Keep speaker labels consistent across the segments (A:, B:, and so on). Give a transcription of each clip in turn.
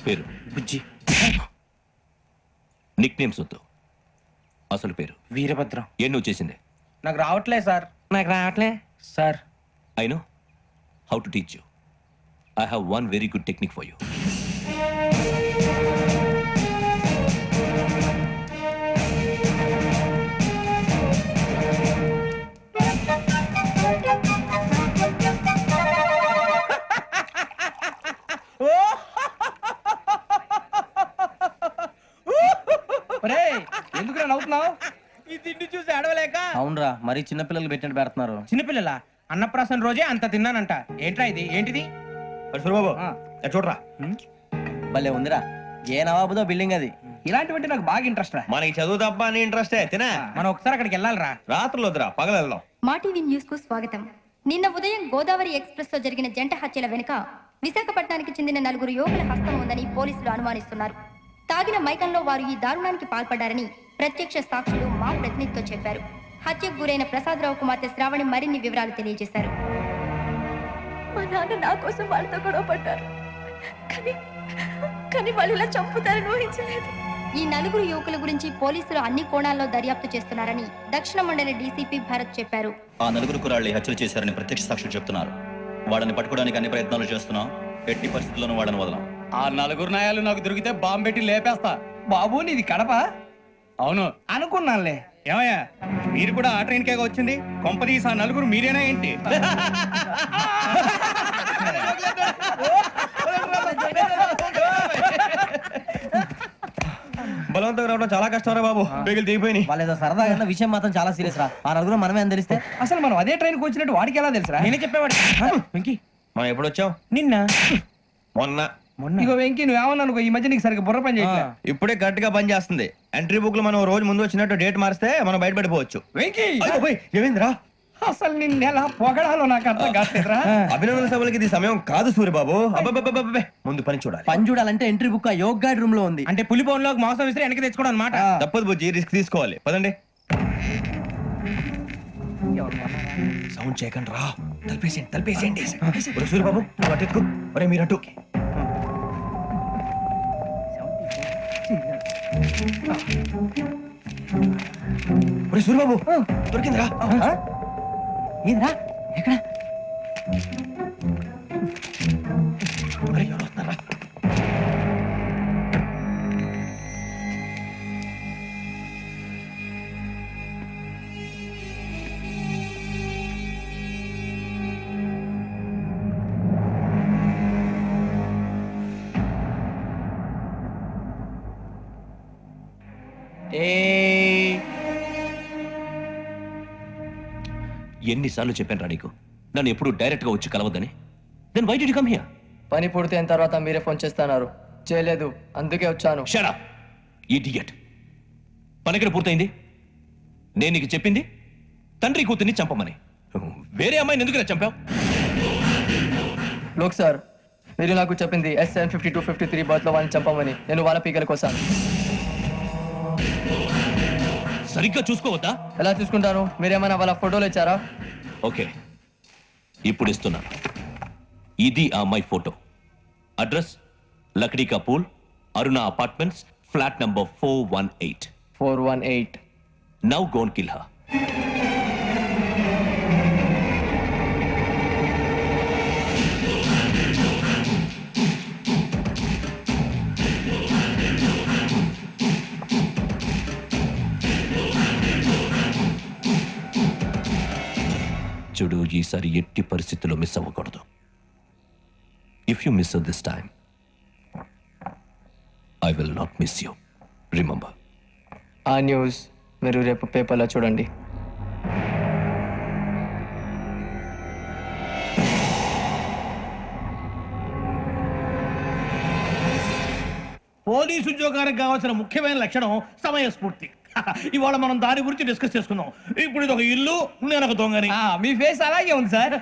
A: పేరు
B: బుజ్జి.
A: Nick names వద్దు, అసలు పేరు.
B: వీరభద్రం.
A: ఏ నువ్వు చేసింది?
B: నాకు రావట్లే సార్. నాకు రావట్లే sir.
A: I know how to teach you. I have one very good technique for you.
B: ఎందుకు నవ్వుతున్నావు? ఈ తిండి చూసి అడవలేక.
C: అవునరా, మరీ చిన్నపిల్లలు పెట్టినట్టు పెడుతున్నారు.
B: చిన్నపిల్లల అన్నప్రాసన రోజే అంత తిన్నానంట. ఏంట్రా ఇది? ఏంటిది?
D: బాబు చూడరా,
C: భలే ఉందిరా. ఏ నవాబుదో బిల్డింగ్ అది.
B: ఇలాంటివంటే నాకు బాగా ఇంట్రెస్ట్ రా.
D: మనకి చదువు తప్ప అని ఇంట్రెస్టే తినా.
B: మనం ఒకసారి అక్కడికి వెళ్ళాలిరా.
D: రాత్రులు వద్దురా, పగలు వెళ్దాం.
E: మా టీవీ న్యూస్ కు స్వాగతం. నిన్న ఉదయం గోదావరి ఎక్స్ప్రెస్ లో జరిగిన జంట హత్యల వెనుక విశాఖపట్నానికి చెందిన 4 యువకుల హస్తం ఉందని పోలీసులు అనుమానిస్తున్నారు. తాగిన మైకంలో వారు ఈ దారుణానికి పాల్పడ్డారని ప్రత్యక్ష సాక్షులు మా ప్రతినిధితో చెప్పారు. హత్యకు గురైన ప్రసాదరావు కుమార్తె శ్రావణి మరిన్ని వివరాలు తెలియజేశారు.
F: మా నాన్న నా కోసం వాళ్ళతో గొడవ పడ్డారు, కానీ వాళ్ళు ఇలా చంపుతారని ఊహించలేదు.
E: ఈ 4 యువకుల గురించి పోలీసులు అన్ని కోణాల్లో దర్యాప్తు చేస్తున్నారని దక్షిణ మండలి డీసీపీ భరత్ చెప్పారు.
G: ఆ 4 కుర్రాళ్ళు హత్యలు చేశారని ప్రత్యక్ష సాక్షులు చెప్తున్నారు. వాళ్ళని పట్టుకోవడానికి అన్ని ప్రయత్నాలు చేస్తున్నాం. ఎట్టి పరిస్థితుల్లోనూ వాళ్ళని వదలం.
H: ఆ 4 నాయాలు నాకు దొరికితే బాంబు పెట్టి లేపేస్తా.
B: బాబు నీది కడప?
H: అవును
B: అనుకున్నానులే.
H: ఏమయ్యా, మీరు కూడా ఆ ట్రైన్ కేగా వచ్చింది? కొంపదీసి ఆ 4 మీరేనా ఏంటి?
D: బలవంతంగా రావడం చాలా కష్టం రా బాబు. బేగులు దిగిపోయినాయి.
C: వాళ్ళేదో సరదాగా విషయం మాత్రం చాలా సీరియస్ రా. ఆ 4 మనమే అని తెలిస్తే
B: అసలు మనం అదే ట్రైన్కి వచ్చినట్టు వాడికి ఎలా తెలుసురా? నేనే చెప్పేవాడి. వెంకీ,
D: మనం ఎప్పుడు వచ్చాం?
B: నిన్న
D: మొన్న.
B: ఇగో వెంకీ, నువ్వేమన్నా అనుకో, ఈ మధ్య నీకు సరిగ్గా బుర్ర పని చేయట్లే.
D: ఇప్పుడే కరెక్ట్ గా పని చేస్తుంది. ఎంట్రీ బుక్ లో మనం రోజు ముందు వచ్చినట్టు డేట్ మారిస్తే మనం బయటపడిపోవచ్చు.
B: వెంకీ,
D: ఏమైందిరా?
B: అసలు నిన్న ఎలా పొగడాలో నాకు అర్థం కాట్లేదురా.
D: అభినందన సభలకి ఇది సమయం కాదు సూర్యబాబు. అబ్బబ్బబ్బబ్బబ్బే, ముందు పని చూడాలి.
C: పని చూడాలంటే ఎంట్రీ బుక్ ఆ యోగ్ గైడ్ రూమ్ లో ఉంది.
B: అంటే పులి బోన్లోకి మాంసం విసిరి వెనక్కి తెచ్చుకోవడం అనమాట.
D: తప్పదు బుజ్జి, రిస్క్ తీసుకోవాలి. పదండి. సౌండ్ చేయకండి రా. తలపేసేయండి. సూర్యబాబు నువ్వు అటు ఎత్తుకో. ఒరే మీరు అటు. ఒరే సూర్యబాబు, దొరికిందిరా.
C: ఏంద్రా? ఎక్కడ?
D: ఒరే, ఎవరు వస్తున్నారా?
A: ఎన్నిసార్లు చెప్పాను రా నీకు, నన్ను ఎప్పుడు డైరెక్ట్ గా వచ్చి కలవద్దని. Then why did you come here?
I: పని పూర్తయిన తర్వాత మీరే ఫోన్ చేస్తున్నారు. చేయలేదు, అందుకే వచ్చాను.
A: Shut up idiot. పని ఎక్కడ పూర్తయింది? నేను నీకు చెప్పింది తండ్రి కూతుర్ని చంపమని. వేరే అమ్మాయిని ఎందుకు చంపావు?
I: లోక్ సార్, మీరు నాకు చెప్పింది SN5253 బర్త్ లో వాళ్ళని చంపమని. నేను వాళ్ళ పీకల కోసం.
A: సరిగ్గా చూసుకోవద్దా?
I: ఎలా చూసుకుంటాను? మీరేమైనా వాళ్ళ ఫోటోలు ఇచ్చారా?
A: ఓకే, ఇప్పుడు ఇస్తున్నాను. ఇది ఆ అమ్మాయి photo. Address Lakdi ka Pul, Aruna apartments, flat number 418.
I: 418.
A: Now go and kill her. చూడు, ఈసారి ఎట్టి పరిస్థితుల్లో మిస్ అవ్వకూడదు. If you miss this time, I will not miss you. Remember.
I: ఆ న్యూస్ మీరు రేపు పేపర్లో చూడండి.
H: పోలీసు ఉద్యోగానికి కావాల్సిన ముఖ్యమైన లక్షణం సమయస్ఫూర్తి. ఇవాళ మనం దాని గురించి డిస్కస్ చేసుకున్నాం. ఇప్పుడు ఇది ఒక ఇల్లు, నేను ఒక దొంగని.
B: మీ ఫేస్ అలాగే ఉంది సార్.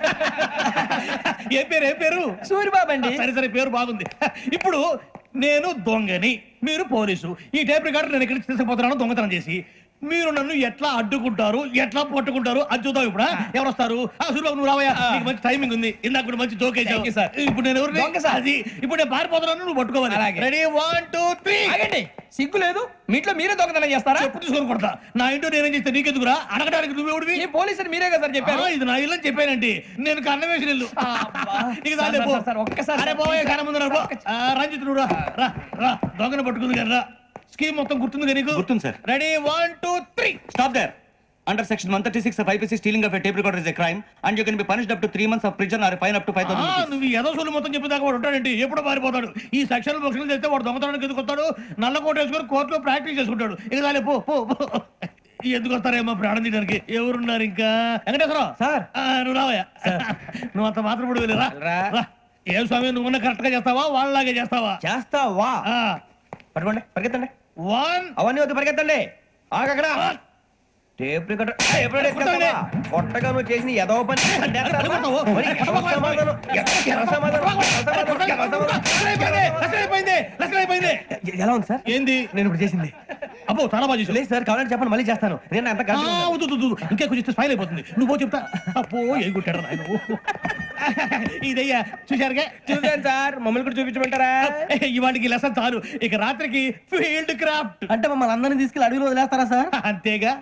H: ఏ పేరు?
B: సూర్యబాబు అండి.
H: సరే, పేరు బాగుంది. ఇప్పుడు నేను దొంగని, మీరు పోలీసు. ఈ టైప్ రికార్డు నేను ఇక్కడికి తీసుకుపోతున్నాను దొంగతనం చేసి. మీరు నన్ను ఎట్లా అడ్డుకుంటారు ఎట్లా పట్టుకుంటారు అది చూద్దాం ఇప్పుడు ఎవరు వస్తారు సూర్యబాబు నువ్వు రావయ్యా నీకు మంచి టైమింగ్ ఉంది ఇందాక కూడా మంచి జోక్
B: Thank you, sir.
H: ఇప్పుడు నేను ఎవరు
B: దొంగ, sir.
H: అది ఇప్పుడు నేను పారిపోతున్నాను నువ్వు పట్టుకోవాలి
B: అలాగే.
H: రెడీ 1 2 3
B: ఆగండి సిగ్గు లేదు మీ ఇంట్లో మీరే దొంగతనం చేస్తారా
H: చెప్పు తీసుకొని కొడతా నా ఇంటో నేనేం చేస్తే నీకెందుకురా అడగడానికి నువ్వెవడివి
B: ఈ పోలీసులు మీరే కదా సార్ చెప్పారు
H: ఇది నా ఇల్లు అని చెప్పానండి నేను కన్న వేసిన ఇల్లు నీకు
B: సార్,
H: దాని
B: సార్, సార్, ఒక్కసారి
H: అరే బాబోయ్ కన్న ముందు రా, పో. రంజిత్ నువ్వు రా రా రా దొంగను పట్టుకుంది కదా రా స్కీమ్ మొత్తం గుర్తుంది కదా నీకు
G: గుర్తుంది, sir.
H: Ready 1 2 3
G: Stop there. Under section 136 of IPC, stealing of a tape recorder is a crime, and you can be punished up to 3 months of prison or a fine up to 5,000 rupees.
H: నువ్వు ఏదో సొల్లు మొత్తం చెప్పేదాకా వాడు ఉంటాడండి ఎప్పుడో పారిపోతాడు ఈ సెక్షన్ బొక్షన్లు చేస్తే వాడు దొంగతనానికి ఎందుకు వస్తాడు నల్ల కోట వేసుకొని కోర్టులో ప్రాక్టీస్ చేసుకుంటాడు ఇక చాలే పో పో పో. ఎందుకు వస్తారేమో ప్రాణం తీయడానికి ఎవరున్నారు ఇంకా వెంకటేశ్వరరావు
C: సార్.
H: నువ్వు రావయ్యా నువ్వు అంత మాత్రం ఇప్పుడు వెళ్ళి రా
B: రా.
H: రా. ఏం స్వామి నువ్వు కరెక్ట్ గా చేస్తావా వాళ్ళలాగే చేస్తావా
C: చేస్తావా పట్టుకోండి పరిగెత్తండి
H: 1
C: అవన్నీ వద్దు పరిగెత్తండి ఆగక్కడ టేప్ రికార్డర్ కొట్టగా నువ్వు చేసిన ఎదవ పని మరి ఎవరి సమాధానం? ఎవరి సమాధానం? ఎలా ఉంది సార్
H: ఏంది
C: నేను ఇప్పుడు చేసింది
H: అబ్బో చాలా బాగా చేసావు.
C: లేదు సార్ కావాలంటే చెప్పండి మళ్ళీ చేస్తాను నేను అంత
H: ఆ, వద్దు, వద్దు, వద్దు. ఇంకే కొంచెం స్మైల్ అయిపోతుంది నువ్వు చెప్తా అప్పో ఏ కుట్టాడు నాయన ఇదయ్యా చూశారుగా
B: చూసాను సార్ మమ్మల్ని కూడా చూపించమంటారా
H: ఇవాటికి లెసన్ చాలు ఇక రాత్రికి ఫీల్డ్ క్రాఫ్ట్
C: అంటే మమ్మల్ని అందరినీ తీసుకెళ్ళి అడవిలో వదిలేస్తారా సార్
H: అంతేగా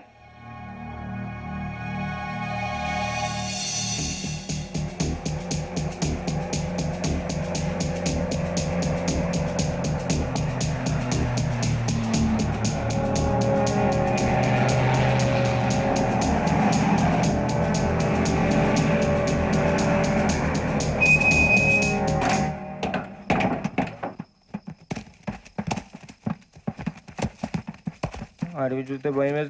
B: అడవి చూస్తే భయం